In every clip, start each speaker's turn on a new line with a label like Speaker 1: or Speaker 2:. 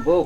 Speaker 1: বউ,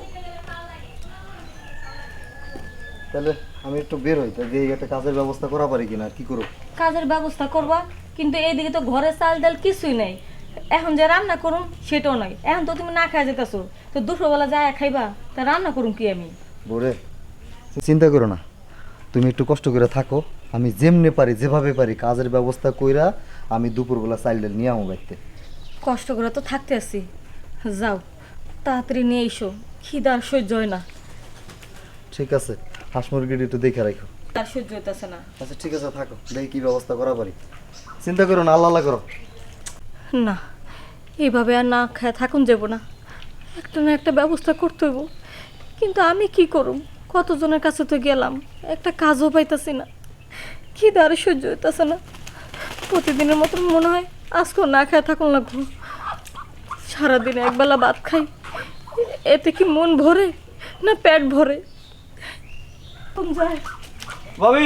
Speaker 1: তাহলে আমি একটু বের হই, তাহলে এই একটা কাজের ব্যবস্থা করা পারি কিনা, আর কি করব?
Speaker 2: কাজের ব্যবস্থা করবা, কিন্তু এইদিকে তো ঘরে চাল ডাল কিছুই নাই। এখন যে রান্না করুন সেটাও নাই। এখন তো তুমি না খাই যেতেছো, তো দুপুরবেলা যায় খাইবা, তা রান্না করুন কি আমি?
Speaker 1: বউরে, চিন্তা করো না, তুমি একটু কষ্ট করে থাকো। আমি যেমনে পারি, যেভাবে পারি কাজের ব্যবস্থা কইরা আমি দুপুরবেলা চাইল ডাল নিয়ে আমো বাড়িতে।
Speaker 2: কষ্ট করে তো থাকতে আছি, যাও তাড়াতাড়ি নিয়ে এসো, খিদার সহ্য হয় না।
Speaker 1: ঠিক আছে, হাঁস মুরগিটা একটু দেখে রাখো।
Speaker 2: তার সহ্য হইতেছে না।
Speaker 1: আচ্ছা ঠিক আছে, থাকো, দেখি কি ব্যবস্থা করা পারি। চিন্তা করো না, আল্লাহ আল্লাহ করো।
Speaker 2: না, এইভাবে আর না খায় থাকুন যাব না, একটা না একটা ব্যবস্থা করতে হইব। কিন্তু আমি কি করুম? কতজনের কাছে তো গেলাম, একটা কাজও পাইতাছি না, খিদা আর সহ্য হইতেছে না। প্রতিদিনের মতন মনে হয় আজকেও না খায় থাকুন লাগবো। সারাদিনে একবেলা ভাত খাই, এতে কি মন ভরে না পেট ভরে? যায়
Speaker 3: ভাবি,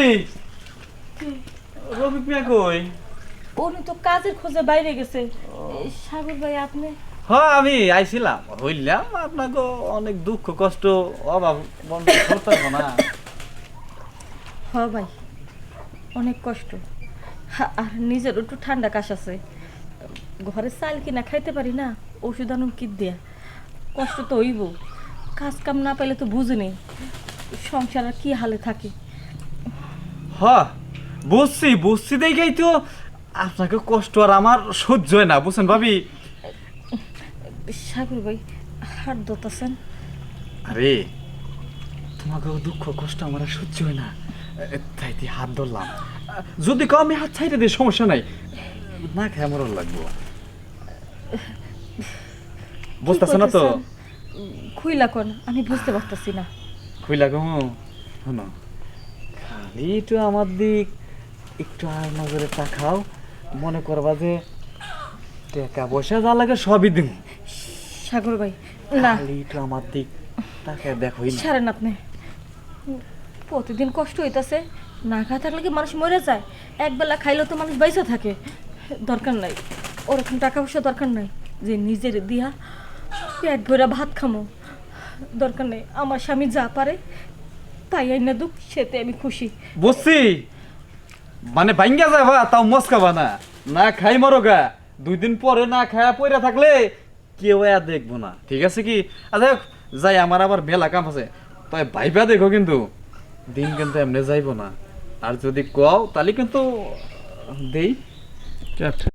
Speaker 3: রফিক মিয়া কই?
Speaker 2: উনি তো কাজের খোঁজে বাইরে গেছে। সাগর ভাই আপনি?
Speaker 3: হ্যাঁ, আমি আইছিলাম, হইলাম আপনাকে অনেক দুঃখ কষ্ট অভাব বন্ধ করতে পারবো না।
Speaker 2: হ ভাই, অনেক কষ্ট। আর নিজের একটু ঠান্ডা কাশ আছে, ঘরে চাল কিনা খাইতে পারি না, ওষুধ আনুন কি দেয়া। কষ্ট তো হইব, কাজ কাম না পাইলে তো বুঝিনি সংসার আর কি হালে থাকে।
Speaker 3: হ্যাঁ, বুঝছি বুঝছি দেখেই তো আপনাকে কষ্ট আর আমার সহ্য হয় না, বুঝছেন ভাবি?
Speaker 2: সাগর ভাই হাত ধরতেছেন?
Speaker 3: আরে, তোমাকে দুঃখ কষ্ট আমার আর সহ্য হয় না, তাই দিয়ে হাত ধরলাম। যদি কেউ আমি হাত ছাইতে দিই সমস্যা নাই, না খাই আমারও লাগবো। বুঝতেছ না তো?
Speaker 2: খুইলা কোন, আমি বুঝতে পারতেছি না।
Speaker 3: খুইলা গো, শোনো, খালি একটু আমার দিক একটু আর নজরে তাকাও, মনে করবা যে টাকা পয়সা যা লাগে সবই দিন।
Speaker 2: সাগর ভাই না,
Speaker 3: খালি একটু আমার দিক তাকায় দেখোই না।
Speaker 2: ছাড়েন আপনি। প্রতিদিন কষ্ট হইতাছে, না খাওয়া থাকলে কি মানুষ মরে যায়? একবেলা খাইলেও তো মানুষ বাইসা থাকে। দরকার নাই ওরকম টাকা পয়সা, দরকার নাই যে নিজের দিয়া পেট ভরা ভাত খামো। দরকার নেই, আমার স্বামী যা পারে তাই আইনা দুঃখ, সেতে আমি খুশি।
Speaker 3: বুঝছি, মানে ভাঙ্গা যাবা তাও মস্কাবা না, না খাই মরো গা। 2 দিন পরে না খায়া পয়রা থাকলে কেউ আর দেখবো না, ঠিক আছে কি? আচ্ছা যাই, আমার আবার মেলা কাম আছে, তাই ভাইবা দেখো কিন্তু দিন কিন্তু এমনি যাইবো না। আর যদি কও তাহলে কিন্তু দেই।